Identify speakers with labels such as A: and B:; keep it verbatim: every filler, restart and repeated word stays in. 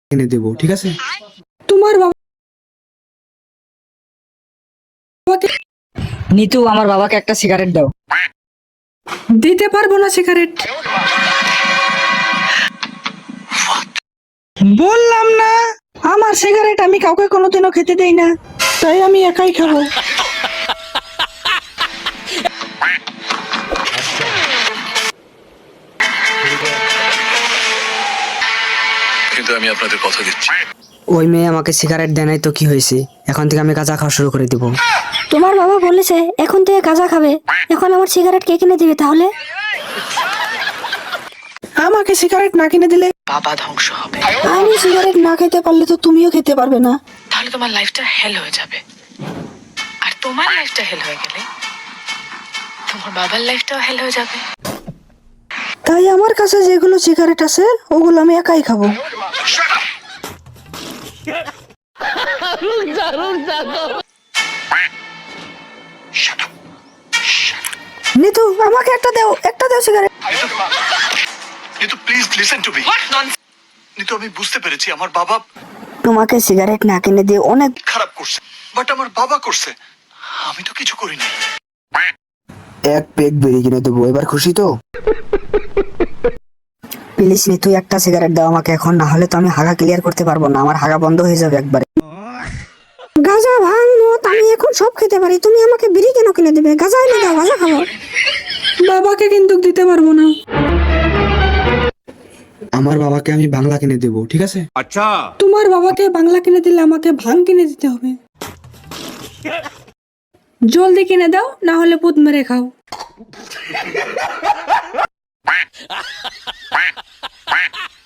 A: কিনে দেবো, ঠিক আছে?
B: তোমার বাবাকে
C: নিতু, আমার বাবাকে একটা সিগারেট দাও।
B: দিতে পারবো না সিগারেট। বললাম না আমার সিগারেট আমি কাউকে কোনোদিনও খেতে দেই না, তাই আমি একাই খাবো।
D: কিন্তু আমি আপনাদের কথা দিচ্ছি,
C: ওই মেয়ে আমাকে সিগারেট দেয় নাই তো কি হয়েছে, এখন থেকে আমি গাঁজা খাওয়া শুরু করে দিব।
E: তোমার বাবা বলেছে এখন থেকে গাঁজা খাবে, এখন আমার সিগারেট কে কিনে দিবে তাহলে?
B: আমাকে সিগারেট না কিনে দিলে
F: বাবা ধ্বংস হবে,
B: আমি সিগারেট না খেতে পারলে তো তুমিও খেতে পারবে না।
F: তাহলে তোমার লাইফটা হেল হয়ে যাবে। আর তোমার লাইফটা হেল হয়ে গেলে তোমার বাবার লাইফটাও হেল হয়ে যাবে।
B: তাই আমার কাছে যেগুলো সিগারেট আছে ওগুলো আমি একাই খাবো। নিতু আমাকে একটা দাও, একটা দাও সিগারেট।
D: কিন্তু প্লিজ লিসেন টু মি। কিন্তু আমি বুঝতে পেরেছি আমার বাবা
E: তোমাকে সিগারেট না কিনে দিয়ে অনেক
D: খারাপ করছে, বাট আমার বাবা করছে, আমি তো কিছু করিনি।
A: এক পেক বেরিয়ে কিনে দেবো, এবার খুশি তো?
C: প্লিজ নিতু, একটা সিগারেট দাও আমাকে এখন, না হলে তো আমি হাগা ক্লিয়ার করতে পারবো না, আমার হাগা বন্ধ হয়ে যাবে একবারে।
E: গাঁজা ভাঙ মদ আমি এখন সব খেতে পারি, তুমি আমাকে বিড়ি কেন কিনে দেবে? গাঁজা এনে দাও, গাঁজা খাবো।
B: বাবাকে কিন্তু দিতে পারবো না।
A: আমার বাবাকে আমি বাংলা কিনে দেবো, ঠিক আছে?
B: তোমার বাবাকে বাংলা কিনে দিলে আমাকে ভাং কিনে দিতে হবে। জলদি কিনে দাও, না হলে পুত মেরে খাও।
D: Quack, quack, quack.